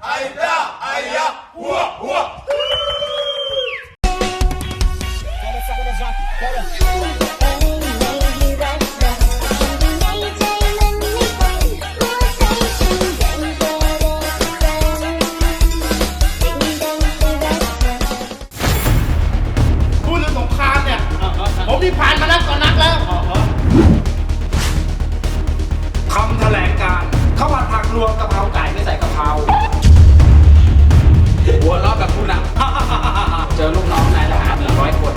พูดเรื่องสงครามเนี่ยผมที่ผ่านมานักต่อนักแล้วคำแถลงการข้าวผัดผักรวมกะเพราไก่ไม่ใส่กะเพราหัวเราะแบบผู้นำเจอลูกน้องนายทหาร100 คน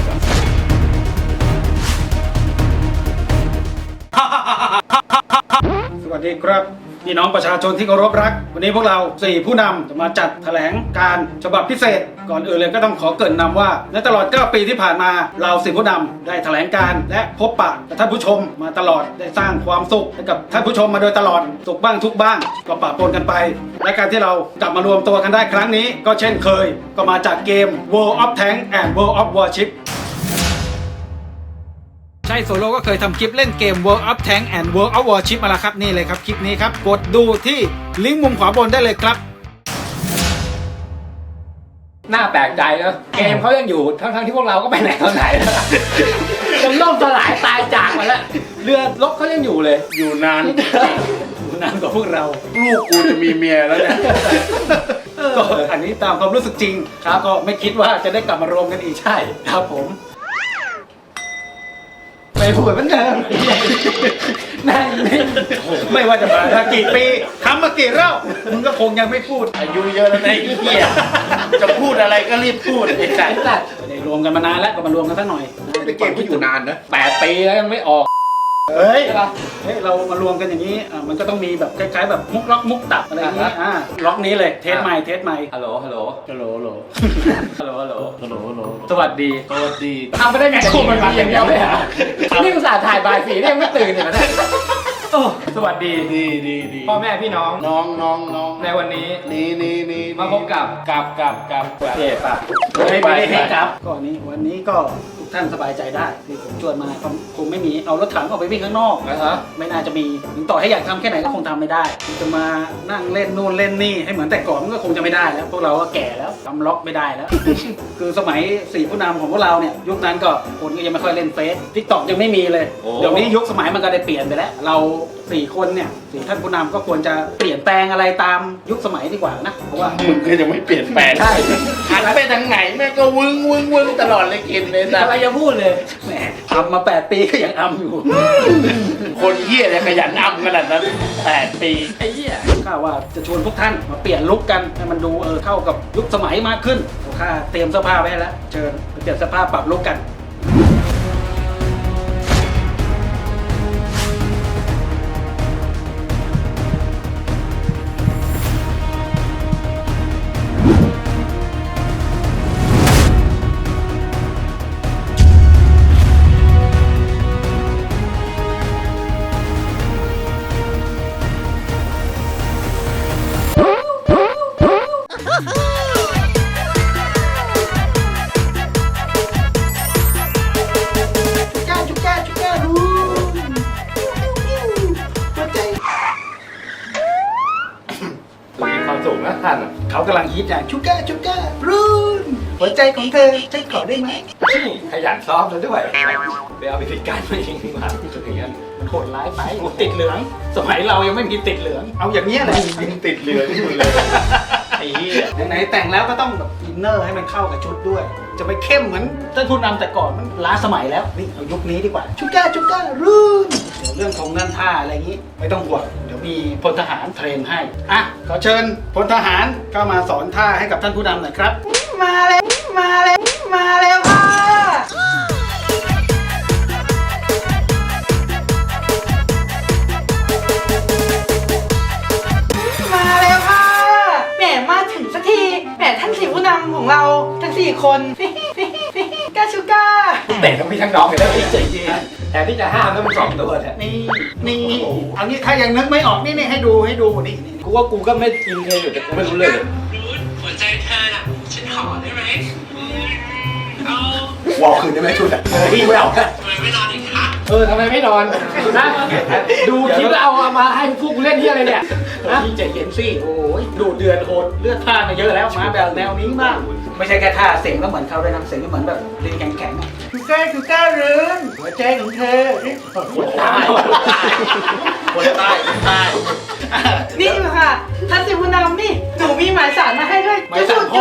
สวัสดีครับพี่น้องประชาชนที่เคารพรักวันนี้พวกเรา4ผู้นำจะมาจัดแถลงการฉบับพิเศษก่อนอื่นเลยก็ต้องขอเกริ่นนำว่าในตลอด9 ปีที่ผ่านมาเรา4ผู้นำได้แถลงการและพบปะกับท่านผู้ชมมาตลอดได้สร้างความสุขให้กับท่านผู้ชมมาโดยตลอดสุขบ้างทุกบ้างก็ปะปนกันไปและการที่เรากลับมารวมตัวกันได้ครั้งนี้ก็เช่นเคยก็มาจากเกม World of Tanks and World of Warshipใช่โซโลก็เคยทำคลิปเล่นเกม World of Tanks and World of Warship มาแล้วครับนี่เลยครับคลิปนี้ครับกดดูที่ลิงก์มุมขวาบนได้เลยครับน่าแปลกใจนะเกมเขายังอยู่ทั้งที่พวกเราก็ไปไหนตอนไหนยังล่มสลายตายจากมาแล้วเรือรบเขายังอยู่เลยอยู่นานนานกว่าพวกเราลูกกูจะมีเมียแล้วเนี่ยก็อันนี้ตามความรู้สึกจริงครับก็ไม่คิดว่าจะได้กลับมารวมกันอีกใช่ครับผมไม่พูดเหมือนเดิมนั่งไม่ว่าจะมากี่ปีทำมากี่รอบมึงก็คงยังไม่พูดอายุเยอะแล้วนะไอ้เหี้ยจะพูดอะไรก็รีบพูดไอ้สัตว์ได้รวมกันมานานแล้วก็มารวมกันสักหน่อยเป็นเกมที่อยู่นานนะ 8 ปีแล้วยังไม่ออกเฮ้ยเรามารวมกันอย่างนี้มันก็ต้องมีแบบคล้ายๆแบบมุกล็อกมุกตับอะไรอย่างนี้ล็อกนี้เลยเทสใหม่ฮัลโหลสวัสดีทำไม่ได้ไงคู่มันมาอย่างเดียวเลยฮะนี่อุตส่าห์ถ่ายบ่าย4นี่ยังไม่ตื่นเลยนะสวัสดีพ่อแม่พี่น้องในวันนี้มาพบกับเจ็บปะไม่ได้ให้กับก่อนนี้วันนี้ก็ทุกท่านสบายใจได้ที่ผมชวนมาคงไม่มีเอารถถังออกไปวิ่งข้างนอกไม่น่าจะมีถึงต่อให้อยากทำแค่ไหนก็คงทำไม่ได้จะมานั่งเล่นนู่นเล่นนี่ให้เหมือนแต่ก่อนมันก็คงจะไม่ได้แล้วพวกเราก็แก่แล้วทำล็อกไม่ได้แล้วคือสมัย4ผู้นำของพวกเราเนี่ยยุคนั้นก็คนก็ยังไม่ค่อยเล่นเฟซTikTokยังไม่มีเลยเดี๋ยวนี้ยุคสมัยมันก็ได้เปลี่ยนไปแล้วเรา4 คนเนี่ย4 ท่านผู้นำก็ควรจะเปลี่ยนแปลงอะไรตามยุคสมัยดีกว่านะเพราะว่ามึงก็ยังไม่เปลี่ยนแปลงใช่หันไปทางไหนแม่ก็วึ้งตลอดเลยกินเลยนะอะไรจะพูดเลยแหมทำมา8 ปีก็ยังอำอยู่คนเหี้ยเนี่ยขยันอำขนาดนั้น8 ปีไอ้เหี้ยข้าว่าจะชวนพวกท่านมาเปลี่ยนลุคกันให้มันดูเข้ากับยุคสมัยมากขึ้นข้าเตรียมเสื้อผ้าไว้แล้วเชิญไปเปลี่ยนเสื้อผ้าปรับลุคกันเขากำลังฮิตอย่างชูก้ารูนหัวใจของเธอฉันขอได้ไหมขยันซ้อมแล้วด้วยไปเอาวิธีการมาเองมาอย่างนั้นมันโหดร้ายไปติดเหลืองสมัยเรายังไม่มีติดเหลืองเอาอย่างนี้แหละยิงติดเหลืองที่มึงเลยไอ้เหี้ยไหนแต่งแล้วก็ต้องแบบอินเนอร์ให้มันเข้ากับชุดด้วยจะไปเข้มเหมือนท่านผู้นำแต่ก่อนมันล้าสมัยแล้วนี่เอายุคนี้ดีกว่าชูก้ารูนเรื่องของเงินท่าอะไรอย่างนี้ไม่ต้องห่วงเดี๋ยวมีพลทหารเทรนให้ขอเชิญพลทหารเข้ามาสอนท่าให้กับท่านผู้นำหน่อยครับมาแล้วค่ะแหมมาถึงสักทีแหมท่าน4 ผู้นำของเราทั้ง4 คนก้าชูก้าแต่ต้องมีทั้งน้องกันแล้วจริงๆแต่ที่จะห้ามต้องเป็น2 ตัวเนี่ยนี่เอางี้ถ้ายังนึกไม่ออกนี่ให้ดูนี่กูว่ากูก็ไม่อินเทอยู่แต่กูไม่รู้เลยหัวใจเธอน่ะฉันขอได้ไหมวอลคืนได้ไหมชุดพี่ไม่เอาทำไมไม่นอนอีกคะทำไมไม่นอนนะดูคลิปแล้วเอามาให้พวกกูเล่นที่อะไรเนี่ยพี่ใจเย็นสิโอ้ยดูเดือดโหดเลือดพล่านมาเยอะแล้วมาแบบแนวนี้บ้างไม่ใช่แค่ท่าเสียงก็เหมือนเขาเลยนะเสียงก็เหมือนแบบลิงแข็งๆชูก้ารืนหัวใจของเธอคนตายนี่ค่ะท่านสิผู้นำนี่หนูมีหมายสารมาให้ด้วยไม่สั่งพ่อ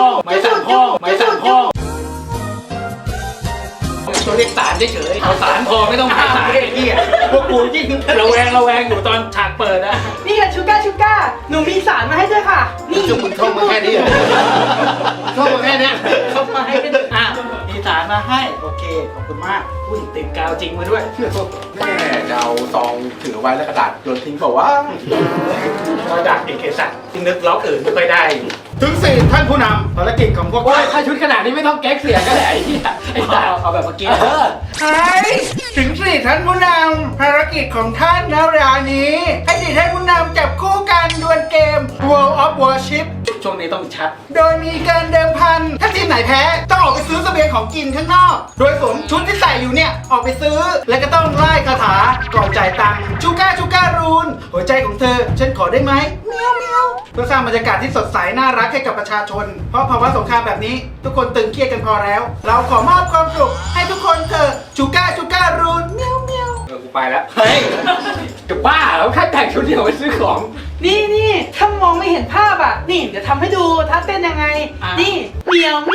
ตัวเรียกสารเฉยๆเอาสารพอไม่ต้องหมายสารไอ้เหี้ยพวกกูยิ่งระแวงอยู่ตอนฉากเปิดนะนี่ค่ะชูก้าหนูมีสารมาให้ด้วยค่ะนี่จุกมึงท่องมาแค่นี้ท่องมาแค่นี้ท่องมาให้กันอ่ะมีสารมาให้โอเคขอบคุณมากอุ้ยติดกาวจริงมาด้วยแม่จะเอาซองถือไว้แล้วกระดาษโยนทิ้งเปล่าวะเราดักเอกสัตว์ที่นึกล็อกอื่นไม่ค่อยได้ ถึง4ท่านผู้นำภารกิจของพวกโอ้ยถ้าชุดขนาดนี้ไม่ต้องแก๊กเสียงก็ได้ไอ้เหี้ยไอ้ตาเอาแบบเมื่อกี้ใช่ถึง4ท่านผู้นำภารกิจของท่านนะรานี้ให้4ท่านผู้นำจับคู่กันดวลเกม World of Warship ช่วงนี้ต้องชัด โดยมีการเดิมพันถ้าทีมไหนแพ้ต้องออกไปซื้อเสบียงของกินข้างนอก โดยสวมชุดที่ใส่อยู่เนี่ยออกไปซื้อ แล้วก็ต้องไล่คาถาก่อนจ่ายตังค์ชูก้ารูนหัวใจของเธอฉันขอได้ไหมเมียวเพื่อสร้างบรรยากาศที่สดใสน่ารักให้กับประชาชน เพราะภาวะสงครามแบบนี้ทุกคนตึงเครียดกันพอแล้ว เราขอมอบความสุขให้ทุกคนเถอะชูก้ารูนเมียวกูไปแล้วเฮ้ยจะบ้าแล้วแค่แต่งชุดเดียวไปซื้อของนี่ถ้ามองไม่เห็นภาพอ่ะนี่เดี๋ยวทำให้ดูท่าเต้นยังไงนี่เมียว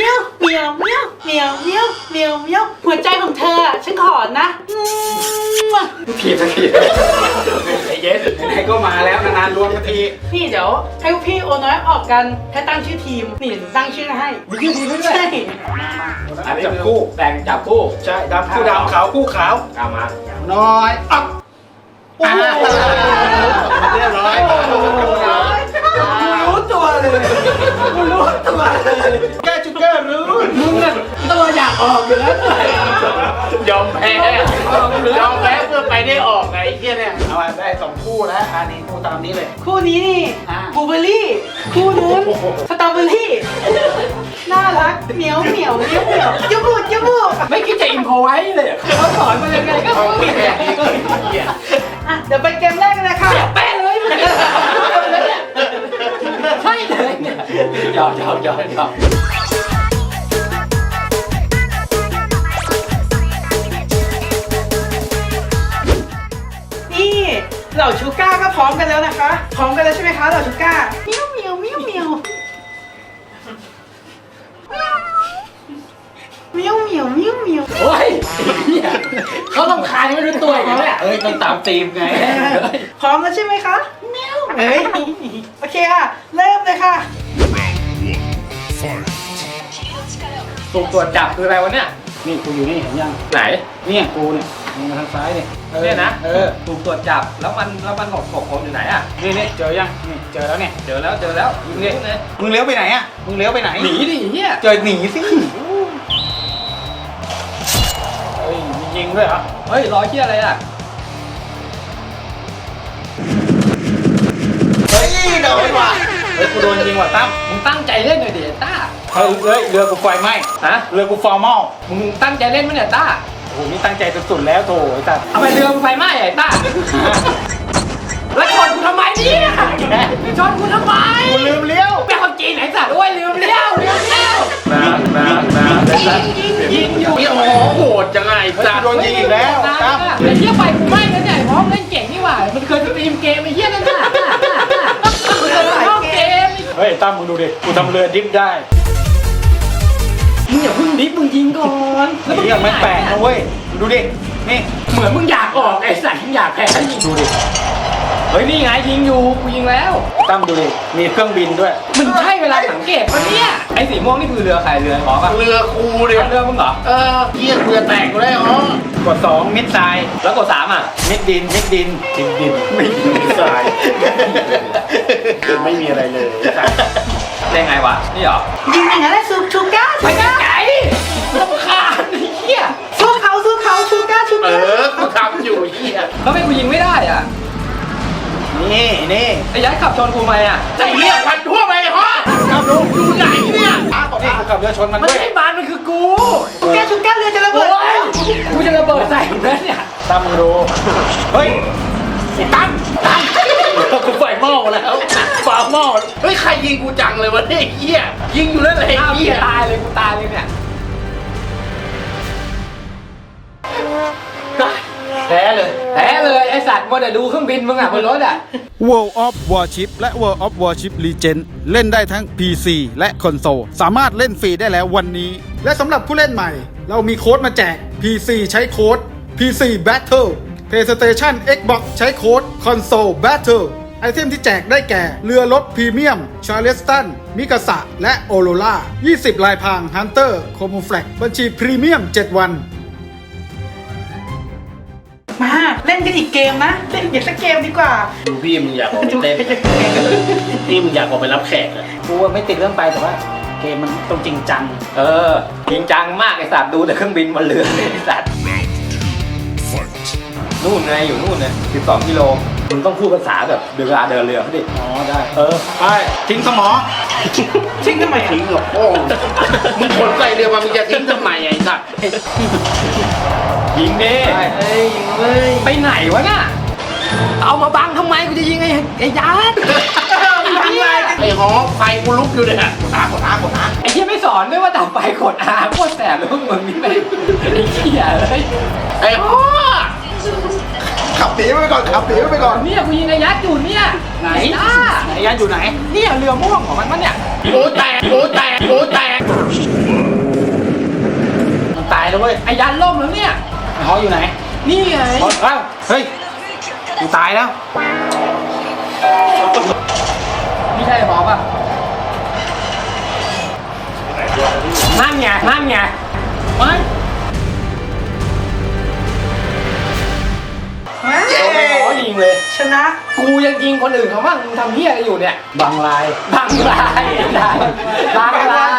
หัวใจของเธอฉันขอนะทีสักทีไอ้เย็นไหนๆก็มาแล้วนานๆรวมกันทีนี่เดี๋ยวให้พวกพี่โอน้อยออกกันให้ตั้งชื่อทีมนี่ตั้งชื่อให้มีชื่อทีมด้วยใช่อันนี้จับคู่แต่งจับคู่ใช่ดำคู่ดำขาวคู่ขาวเอามาน้อยอัพโอ้โหเรียบร้อยรู้ตัวเลยแกจุกเกอร์รู้มึงน่ะตัวอยากออกอยู่แล้วยอมแพ้ยอมแพ้เพื่อไปได้ออกไงไอ้เหี้ยเนี่ยเอาได้2คู่แล้วอันนี้คู่ตามนี้เลยคู่นี้นี่อ่าบลูเบอร์รี่คู่นู้นสตรอเบอร์รี่น่ารักเหมียวจุบุไม่คิดจะอินโพไว้เลยเขาสอนมายังไงก็ไม่แพ้อ่ะเดี๋ยวไปเกมแรกกันเลยค่ะแป้เลยมันใช่เลยเนี่ยยอมนี่เหล่าชูก้าก็พร้อมกันแล้วนะคะพร้อมกันแล้วใช่ไหมคะเหล่าชูก้าเมียวโอ้ยเขาลำคาญไม่รู้ตัวอีกแล้วเนี่ยเอ้ยต้องตามธีมไงพร้อมแล้วใช่ไหมคะเมียวเอ้ยโอเคค่ะเริ่มเลยค่ะสุ่มตรวจจับคืออะไรวะเนี่ยนี่กูอยู่นี่เห็นยังไหนเนี่ยกูเนี่ยมึงมาทางซ้ายเนี่ยเนี่ยนะถูกสุ่มตรวจจับแล้วมันหลบผมอยู่ไหนอ่ะนี่เจอยังนี่เจอแล้วเนี่ยเจอแล้วมึงเลี้ยวไปไหนอ่ะมึงเลี้ยวไปไหนหนีดิเฮียเจอหนีสิเฮ้ยมียิงด้วยเหรอเฮ้ยรอยเฮียอะไรอ่ะเฮ้ยโดนว่ะเฮ้ยกูโดนยิงว่ะตั้มมึงตั้งใจเล่นหน่อยดิต้าเฮ้ยเรือกูไฟไหม้ฮะเรือกูฟอร์มอลมึงตั้งใจเล่นมั้ยเนี่ยต้าโอ้โหนี่ตั้งใจสุดๆแล้วโถไอ้สัสเอาไปเรือมึงไฟไหม้ไอ้ต้าแล้วชนกูทำไมเนี่ยชนกูทำไมกูลืมเลี้ยวเป็นคนจีนไหนสัตว์ด้วยลืมเลี้ยวยิงอยู่โอ้โหโหดจังไงจะโดนยิงอีกแล้วตั้มไอ้เหี้ยไปกูไม่แล้วเนี่ยพร้อมเล่นเก่งนี่หว่ามันเคยสตรีมเกมไอ้เหี้ยนั่นน่ะมันเคยเข้าเกมเฮ้ยตั้มมึงดูดิกูทำเรือดิฟได้มึงอย่าพึ่งดิฟมึงยิงก่อนแล้วมึงนี่ยังไม่แปลกนะเว้ยดูดินี่เหมือนมึงอยากออกไอ้สัตว์มึงอยากแพ้ยิงดูดิเฮ้ยนี่ไงยิงอยู่กูยิงแล้วตั้มดูดิมีเครื่องบินด้วยมันใช่เวลาสังเกตปะเนี่ยไอ้สีม่วงนี่คือเรือใครเรือหมอปะเรือครูเดียเรือมึงเหรอเกียร์เรือแตกเลยอ๋อกด2มิดไซด์แล้วกด3อ่ะมิดดินดินไม่มีทรายคือไม่มีอะไรเลยได้ไงวะนี่เหรอยิงอย่างนั้นแหละชูก้าไปไกลๆรำคาญไอ้เหี้ยสู้เขาชูก้ากูทำอยู่เฮียแล้วทำไมกูยิงไม่ได้อ่ะนี่ไอ้ยัดขับชนกูไหมอ่ะใจเรียกพันทั่วไปฮะครับลุงอยู่ไหนเนี่ยนี่กูขับเรือชนมันมันด้วยไม่ใช่บ้านมันคือกูชูก้าเรือจะระเบิโอ้ดยกูจะระเบิดใส่มึงแล้วเนี่ยตั้มมึงดูเฮ้ยตั้งกูไฟหม้อแล้วไอ้หม้อเฮ้ยใครยิงกูจังเลยวะเนี่ยไอ้เหี้ยยิงอยู่นั่นแหละไอ้อ้าวเหี้ยตายเลยกูตายเลยเนี่ยแพ้เลยไอสัตว์มัวแต่ดูเครื่องบินมึงอ่ะบนรถอ่ะ World of Warship และ World of Warship Legend เล่นได้ทั้ง PC และคอนโซลสามารถเล่นฟรีได้แล้ววันนี้ และสำหรับผู้เล่นใหม่ เรามีโค้ดมาแจก PC ใช้โค้ด PC Battle PlayStation Xbox ใช้โค้ด Console Battle ไอเทมที่แจกได้แก่ เรือรบพรีเมียม ชาร์เลสตัน มิกาสะ และโอโรล่า 20 ลายพราง Hunter Camouflage บัญชีพรีเมียม 7 วันมาเล่นกันอีกเกมนะ เล่นอีกสักเกมดีกว่าดูพี่มึงอยากออกไปเต้นพี่มึงอยากออกไปรับแขกอะกูไม่ติดเรื่องไปแต่ว่าเกมมันต้องจริงจังจริงจังมากไอสัตว์ดูแต่เครื่องบินบนเรือไอสัตว์นู่นไงอยู่นู่นเลย12 กิโลมึงต้องพูดภาษาแบบเวลาเดินเรือเขาดิอ๋อได้ไปทิ้งสมอชิงทำไมอ่ะทิ้งกับโป้งมึงขนใส่เรือมามึงจะทิ้งทำไมไอ้สัตว์ยิงดิเฮ้ยยิงเลยไปไหนวะน่ะเอามาบังทำไมกูจะยิงไอ้ยัดทำไรไอ้ฮอไฟกูลุกอยู่เนี่ยกดอาไอ้เหี้ยไม่สอนด้วยว่าดับไฟกดอาโคตรแสบเลยพวกมึงนี่แม่งไอ้เหี้ยเลยไอ้ฮอขับหนีไปก่อนขับหนีไปก่อนเนี่ยกูยิงไอ้ยัดอยู่เนี่ยไหนอ่ะไหนยันอยู่ไหนเนี่ยเรือม่วงของมันปะเนี่ยโอ้แตกมันตายแล้วเว้ยไอ้ยันล่มแล้วเนี่ยไอ้ฮออยู่ไหนนี่ไงฮอเอ้าเฮ้ยกูตายแล้วไม่ใช่หมอป่ะนั่นไงมันเย้หมอยิงเลยชนะกูยังยิงคนอื่นเขาบ้างมึงทำเหี้ยอะไรอยู่เนี่ยบางลายบางรายบางราย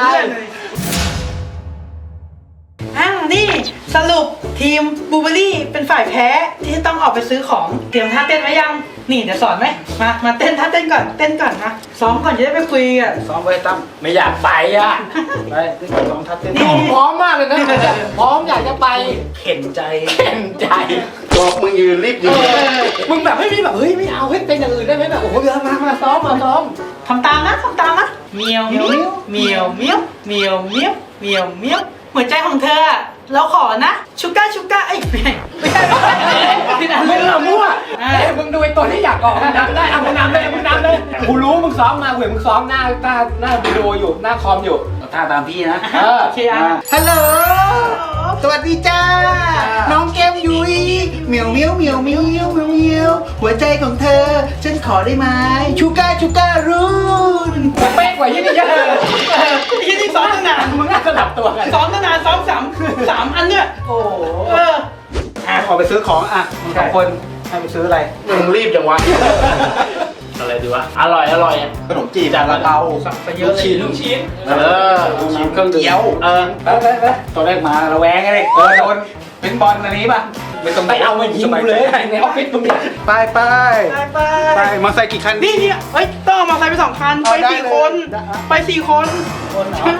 นี่สรุปทีมบูเบอรี่เป็นฝ่ายแพ้ที่ต้องออกไปซื้อของเตรียมท่าเต้นไว้ยัง นี่จะสอนไหมมาเต้นท่าเต้นก่อนนะซ้อมก่อนจะได้ไปคุยกันซ้อมไว้ตั้มไม่อยากไปอ่ะไปซ้อมทัดเต้นดูพร้อมมากเลยนะพร้อมอยากจะไปเข็นใจเข็นใจบอกมึงยืนรีบยืนมึงแบบไม่มีแบบเฮ้ยไม่เอาเฮ้ยเป็นอย่างอื่นได้ไหมแบบโอ้โหเดี๋ยวมาซ้อมทำตามนะเมียวเมียวเมียวเมียวเมียวเมียวเมียวเมียวหัวใจของเธอเราขอนะชูก้าไอ้ไม่ใช่ที่นั่นมึงอะมั่วมึงดูไอ้ตัวที่อยากออกมึงนำได้เอามึงนำเลยกูรู้มึงซ้อมมาเว้ยมึงซ้อมหน้าวิดีโออยู่หน้าคอมอยู่ท่าตามพี่นะโอเคอ่ะฮัลโหล สวัสดีจ้า น้องแก้มยุ้ยเหมียวเมียวเมียวเมียวเมียวเมียวเมียวหัวใจของเธอ ฉันขอได้ไหมชูก้ารุ่นเป๊ะกว่ายี่นี่เยอะยี่นี่ซ้อมตั้งนานมึงน่าสลับตัวกันซ้อมตั้งนานซ้อมสามอันเนี่ยโอ้เออออกไปซื้อของมึงสองคนให้ไปซื้ออะไรมึงรีบจังวะอะไรดีวะอร่อยอะขนมจีบจานละเตาไปเยอะเลยลูกชิ้นลูกชิ้นเครื่องดื่มเกี๊ยวไปตัวแรกมาระแวงไงเลยโดนเป็นบอลอันนี้ป่ะไม่ต้องไปเอามายิงกูเลยในออฟฟิศมึงเนี่ยไปมาใส่กี่คันนี่เฮ้ยต้องเอามาใส่ไป2 คันไป4 คนไป4 คนใช่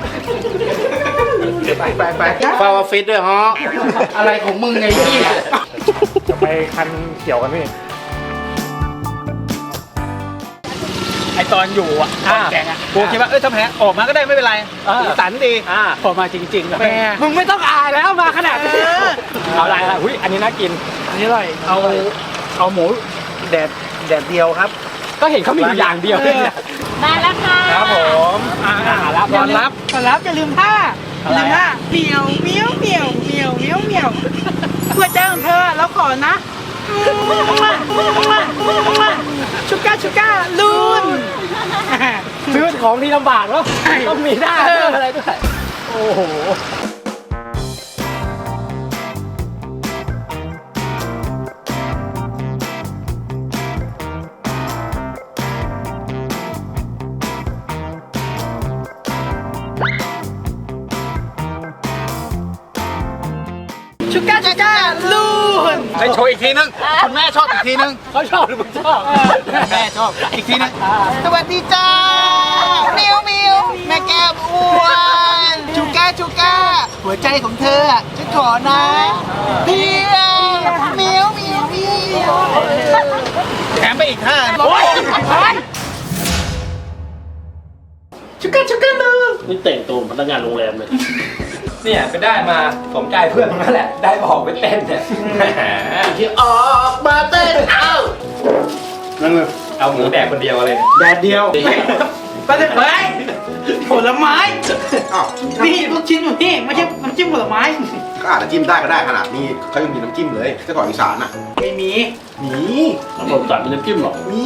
ไปเฝ้าออฟฟิศด้วยฮะอะไรของมึงไงพี่จะไปคันเกี่ยวกันพี่ไอตอนอยู่แกงกูคิดว่าถ้าแพ้ออกมาก็ได้ไม่เป็นไรสีสันดีพอมาจริงๆแล้วมึงไม่ต้องอายแล้วมาขนาดนี้เอาอะไรล่ะอุ้ยอันนี้น่ากินอันนี้อร่อยเอาหมูแดดเดียวครับก็เห็นเขามีอยู่อย่างเดียวเลยเนี่ยมาแล้วค่ะครับผมรับก่อนรับอย่าลืมท่าเหมียวเมียวเมียวเมียวเมียวเมียวหัวใจของเธอเราขอนะชูก้าลูนซื้อของที่ลำบากแล้วต้องมีหน้าอะไรด้วยโอ้โหชูก้าลูนให้โชว์อีกทีนึงคุณแม่ชอบอีกทีนึงเขาชอบหรือมึงชอบแม่ชอบอีกทีนึงสวัสดีจ้าเมียวแม่แก้มอ้วนชูก้าหัวใจของเธอ ฉันขอนะเมียวแถมไปอีกท่าโอ้ยชุกกันเลยนี่แต่งตัวพนักงานโรงแรมเลยเนี่ยไปได้มาสมใจเพื่อนมันนั่นแหละได้ออกไปเต้นเนี่ยที่ออกมาเต้นเอ้านั่นเลยเอาหมูแดกคนเดียวอะไรเนี่ยแดดเดียวก็จะเฮ้ยผลไม้อ้าวนี่ลูกชิ้นอยู่นี่ไม่ใช่น้ำจิ้มผลไม้ก็อาจจะจิ้มได้ก็ได้ขนาดนี้เขายังมีน้ำจิ้มเลยเจ้าของอีสานอ่ะไม่มีมีแล้วผมตัดเป็นน้ำจิ้มหรอมี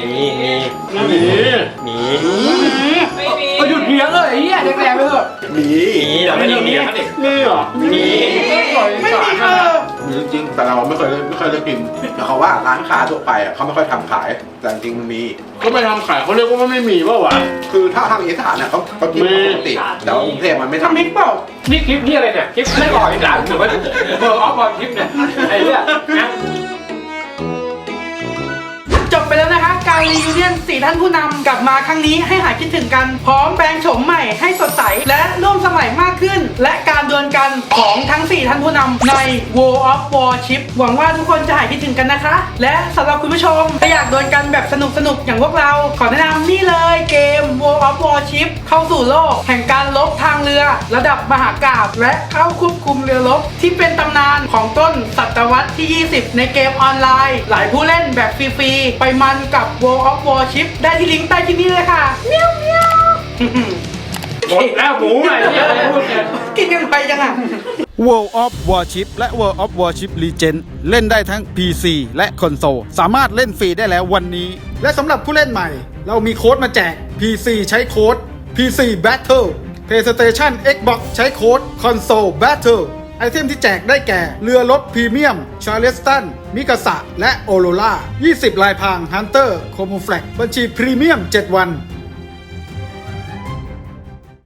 มีก็หยุดเลี้ยงเลยไอ้เหี้ยแดกๆไปเถอะมีเดี๋ยวไม่ต้องเลี้ยงดินี่เหรอมีไม่มีมีจริงๆแต่เราไม่เคยได้กินแต่เขาว่าร้านค้าทั่วไปอ่ะเขาไม่ค่อยทำขายแต่จริงๆมันมีก็ไม่ทำขายเขาเรียกว่าไม่มีป่าวะคือถ้าทางอีสานเนี่ยเขากินปกติแต่ว่ากรุงเทพมันไม่ทำทำพริกเปล่านี่คลิปนี่อะไรเนี่ยคลิปไม่ออกอีกหลังหรือว่าเบอร์ออฟบอลคลิปเนี่ยไอ้เนี่ยนะจบไปแล้วนะคะ การรียูเนียน4ท่านผู้นำกลับมาครั้งนี้ให้หายคิดถึงกัน พร้อมแปลงโฉมใหม่ให้สดใส และร่วมสมัยมากขึ้น และการดวลกันของทั้ง 4 ท่านผู้นำใน World of Warship หวังว่าทุกคนจะหายคิดถึงกันนะคะ และสำหรับคุณผู้ชมถ้าอยากดวลกันแบบสนุกๆอย่างพวกเรา ขอแนะนำนี่เลยเกม World of Warship เข้าสู่โลกแห่งการรบทางเรือ ระดับมหากาพย์และเข้าควบคุมเรือรบที่เป็นตำนานของต้นศตวรรษที่ 20 ในเกมออนไลน์ หลายผู้เล่นแบบฟรีๆไปมันกับ World of Warship ได้ที่ลิงก์ใต้คลิปนี้เลยค่ะเมียวเมียวหมดแล้วหมูไอ้เนี่ยอะไรพูดเนี่ยกินกันไปจังอ่ะ World of Warship และ World of Warship Legend เล่นได้ทั้ง PC และคอนโซลสามารถเล่นฟรีได้แล้ววันนี้ และสำหรับผู้เล่นใหม่ เรามีโค้ดมาแจก PC ใช้โค้ด PC Battle PlayStation Xbox ใช้โค้ด Console Battle ไอเทมที่แจกได้แก่ เรือรบพรีเมียม ชาร์เลสตัน มิกาสะ และโอโรล่า 20 ลายพราง ฮันเตอร์ โคมูแฟลกบัญชีพรีเมียม 7 วัน